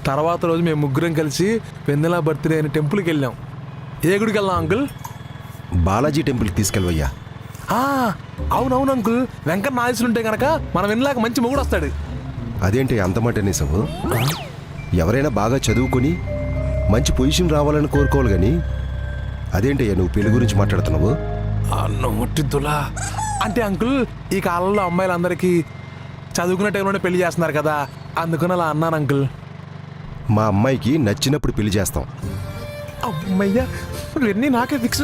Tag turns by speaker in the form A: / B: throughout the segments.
A: తర్వాత రోజు మేము ముగ్గురం కలిసి వెన్నెల బర్త్డే అయిన టెంపుల్కి వెళ్ళాం. ఏ గుడికి వెళ్ళాం అంకుల్?
B: బాలాజీ టెంపుల్కి తీసుకెళ్ళవయ్యా.
A: అవునవును అంకుల్, వెంకన్న ఆయుసులు ఉంటే కనుక మన వెన్నెలాగా మంచి మొగుడు వస్తాడు.
B: అదేంటి అంత మాట నిజము? ఎవరైనా బాగా చదువుకొని మంచి పొజిషన్ రావాలని కోరుకోవాలి కానీ అదేంటయ్యా నువ్వు పెళ్లి గురించి మాట్లాడుతున్నావు?
A: నోటిద్దులా అంటే అంకుల్, ఈ కాలంలో అమ్మాయిలందరికీ చదువుకునే టైంలోనే పెళ్లి చేస్తున్నారు కదా, అందుకని అలా అన్నాను అంకుల్.
B: మా అమ్మాయికి నచ్చినప్పుడు పెళ్లి చేస్తాం.
A: అమ్మయ్యా, ఇవన్నీ నాకే ఫిక్స్.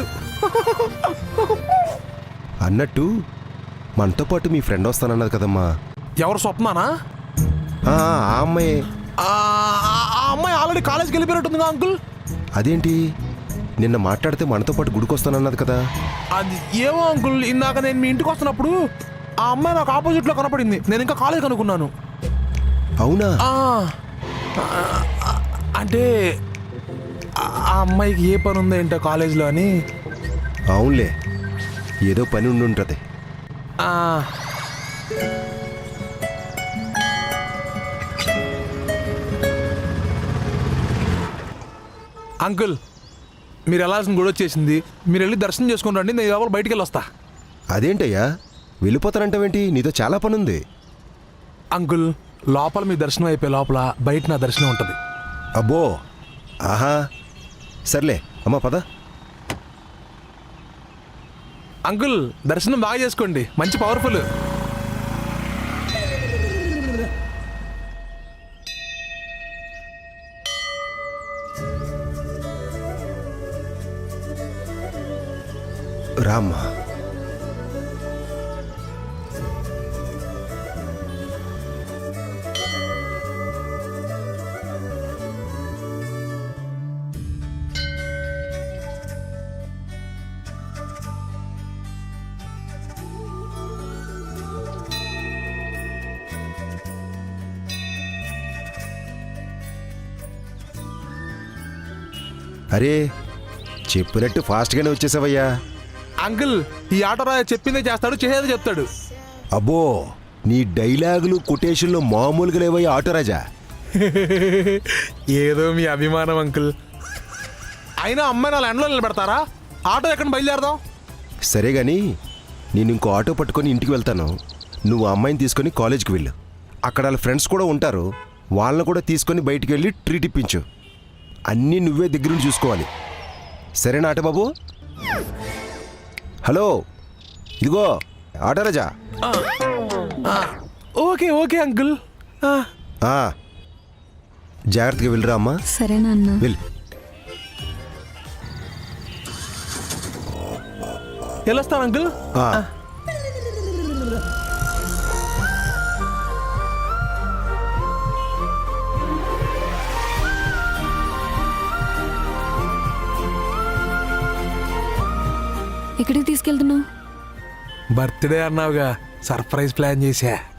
B: అన్నట్టు మనతో పాటు మీ ఫ్రెండ్ వస్తానన్నది కదమ్మా.
A: ఎవరు? స్వప్నానా?
B: ఆ అమ్మాయి.
A: ఆ అమ్మాయి ఆల్రెడీ కాలేజ్కి వెళ్ళిపోయినట్టుందిగా అంకుల్.
B: అదేంటి నిన్న మాట్లాడితే మనతో పాటు గుడికి వస్తానన్నది కదా?
A: అది ఏమో అంకుల్, ఇందాక నేను మీ ఇంటికి వస్తున్నప్పుడు ఆ అమ్మాయి నాకు ఆపోజిట్లో కనపడింది. నేను ఇంకా కాలేజ్ అనుకున్నాను.
B: అవునా?
A: అంటే ఆ అమ్మాయికి ఏ పని ఉందో ఏంటో కాలేజ్లో అని.
B: అవునులే, ఏదో పని ఉండి ఉంటుంది.
A: అంకుల్, మీరు వెళ్ళాల్సిన గుడి వచ్చేసింది. మీరు వెళ్ళి దర్శనం చేసుకుని రండి, నేను ఎవరు బయటికి వెళ్ళి వస్తా.
B: అదేంటయ్యా వెళ్ళిపోతానంటావేంటి? నీతో చాలా పని ఉంది.
A: అంకుల్, లోపల మీ దర్శనం అయిపోయే లోపల బయట నా దర్శనం ఉంటుంది.
B: అబ్బో, ఆహా, సర్లే అమ్మా పద.
A: అంకుల్, దర్శనం బాగా చేసుకోండి, మంచి పవర్ఫుల్.
B: రామ్మా. అరే, చెప్పినట్టు ఫాస్ట్గానే వచ్చేసావయ్యా.
A: అంకుల్, ఈ ఆటో రాజా చెప్పిందే చేస్తాడు, చేసేదే చెప్తాడు.
B: అబ్బో, నీ డైలాగులు కొటేషన్లు మామూలుగా లేవయ్యా ఆటోరాజా.
A: ఏదో మీ అభిమానం అంకుల్. అయినా అమ్మాయి నా ఎండలో నిలబెడతారా? ఆటో ఎక్కడ బయలుదేరదాం?
B: సరే గాని నేను ఇంకో ఆటో పట్టుకొని ఇంటికి వెళ్తాను. నువ్వు ఆ అమ్మాయిని తీసుకొని కాలేజ్కి వెళ్ళు. అక్కడ వాళ్ళ ఫ్రెండ్స్ కూడా ఉంటారు, వాళ్ళని కూడా తీసుకొని బయటికి వెళ్ళి ట్రీట్ ఇప్పించు. అన్నీ నువ్వే దగ్గరుండి చూసుకోవాలి. సరేనా ఆటో బాబు? హలో, ఇదిగో ఆటోరాజా.
A: Okay okay uncle.
B: జాగ్రత్తగా వెళ్ళరా అమ్మా.
C: సరేనా అన్న?
B: వెళ్ళు.
A: వెళ్ళొస్తాను అంకుల్.
C: ఎక్కడికి తీసుకెళ్తున్నావు?
A: బర్త్డే అన్నావుగా, సర్ప్రైజ్ ప్లాన్ చేశా.